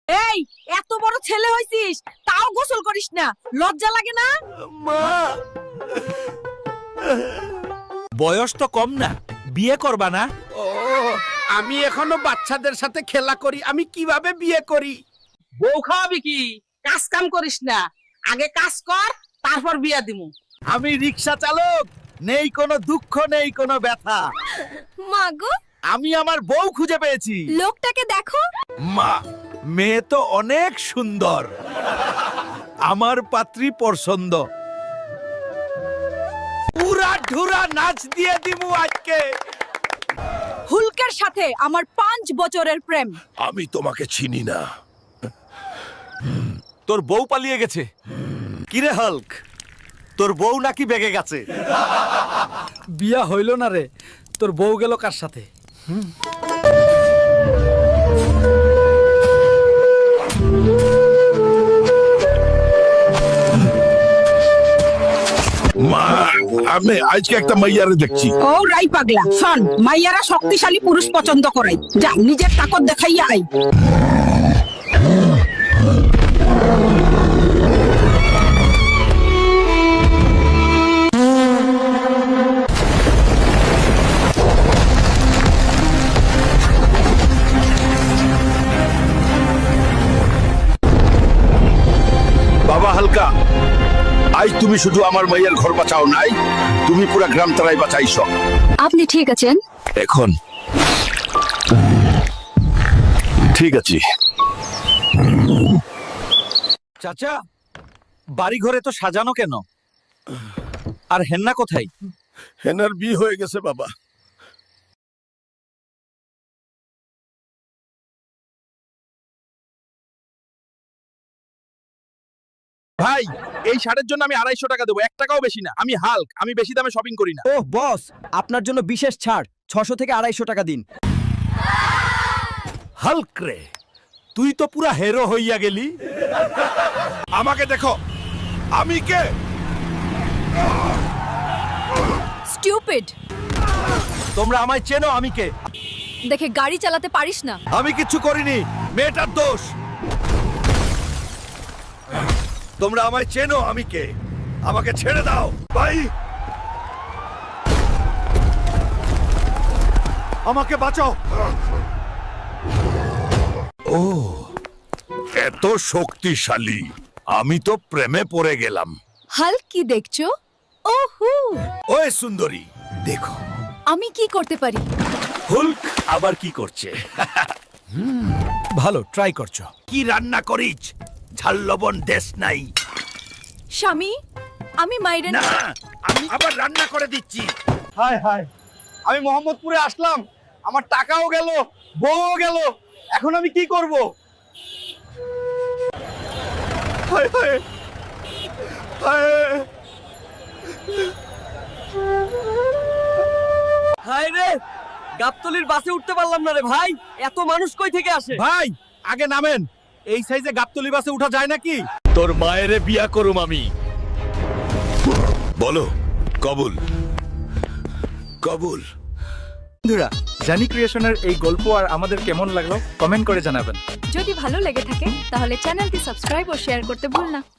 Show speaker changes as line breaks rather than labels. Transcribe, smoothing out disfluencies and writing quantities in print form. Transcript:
এই এত বড় ছেলে হইছিস তাও গোসল করিস না, লজ্জা লাগে না?
মা, বয়স তো কম না, বিয়ে করবা না?
ও, আমি এখনো বাচ্চাদের সাথে খেলা করি, আমি কিভাবে বিয়ে করি?
বউ খাওয়াবি কি? কাজ কাম করিস না, আগে কাজ কর, তারপর বিয়া দিমু।
আমি রিক্সা চালক, নেই কোনো দুঃখ, নেই কোনো ব্যথা।
মাগো,
আমি আমার বউ খুঁজে পেয়েছি।
লোকটাকে দেখো।
মা, মেয়ে তো অনেক সুন্দর, আমার পাত্রী পছন্দ। পুরা ঢুরা নাচ দিয়ে দিমু আজকে।
হুলকের সাথে আমার 5 বছরের প্রেম।
আমি তোমাকে চিনি না।
তোর বউ পালিয়ে গেছে। কিরে হাল্ক, তোর বউ নাকি বেগে গেছে?
বিয়া হইল না রে, তোর বউ গেল কার সাথে?
মা, আমি আজকে একটা মাইয়ারে দেখছি।
ও রাই পাগলা, শোন, মাইয়ারা শক্তিশালী পুরুষ পছন্দ করাই, যা নিজের তাকত দেখাইয়া আই।
বাবা হালকা, আজ তুমি শুধু আমার মাইয়ার ঘর বাঁচাও নাই, তুমি পুরা গ্রাম তারাই বাঁচাইছ।
আপনি ঠিক আছেন?
এখন ঠিক আছে।
চাচা, বাড়ি ঘরে তো সাজানো কেন? আর হেন্না কোথায়?
হেনার বিয়ে হয়ে গেছে বাবা।
ভাই, এই শার্টের জন্য আমি 250 টাকা দেবো, 1 টাকাও বেশি না। আমি হাল্ক, আমি বেশি দামে শপিং করি না।
ওহ বস, আপনার জন্য বিশেষ ছাড়, 600 থেকে 250 টাকা দিন।
হাল্ক রে, তুই তো পুরা হিরো হইয়া গেলি।
আমাকে দেখো, আমি কে?
স্টুপিড।
তোমরা আমায় চেনো, আমি কে?
দেখে গাড়ি চালাতে পারিস না।
আমি কিচ্ছু করিনি, মেয়েটার দোষ। তোমরা আমায় চেনো, আমি কে? আমাকে ছেড়ে দাও ভাই, আমাকে বাঁচাও।
ও, এত শক্তিশালী, আমি তো প্রেমে পড়ে গেলাম।
হাল্ক, কি দেখছো? ওহু,
ওই সুন্দরী, দেখো
আমি কি করতে পারি?
হুল্ক আবার কি করছে? ভালো ট্রাই করছো।
কি রান্না করিস? ঝাল লবণ দেশ নাই?
স্বামী, আমি মাইরেন।
না, আমি আবার রান্না করে দিচ্ছি।
হায় হায়, আমি মোহাম্মদপুরে আসলাম, আমার টাকাও গেল, বউও গেল, এখন আমি কি করব?
হায় হায় হায়
হায় রে, গাবতলির বাসে উঠতে পারলাম না রে ভাই, এত মানুষ কই থেকে আসে?
ভাই, আগে নামেন। এই সাইজে গাবতলি বাসে উঠা যায় নাকি? তোর মায়েরে বিয়া করুম আমি।
বলো, কবুল কবুল।
বন্ধুরা, জানি ক্রিয়েশনের এই গল্প আর আমাদের কেমন লাগলো কমেন্ট করে জানাবেন।
যদি ভালো লেগে থাকে তাহলে চ্যানেলটি সাবস্ক্রাইব ও শেয়ার করতে ভুল না।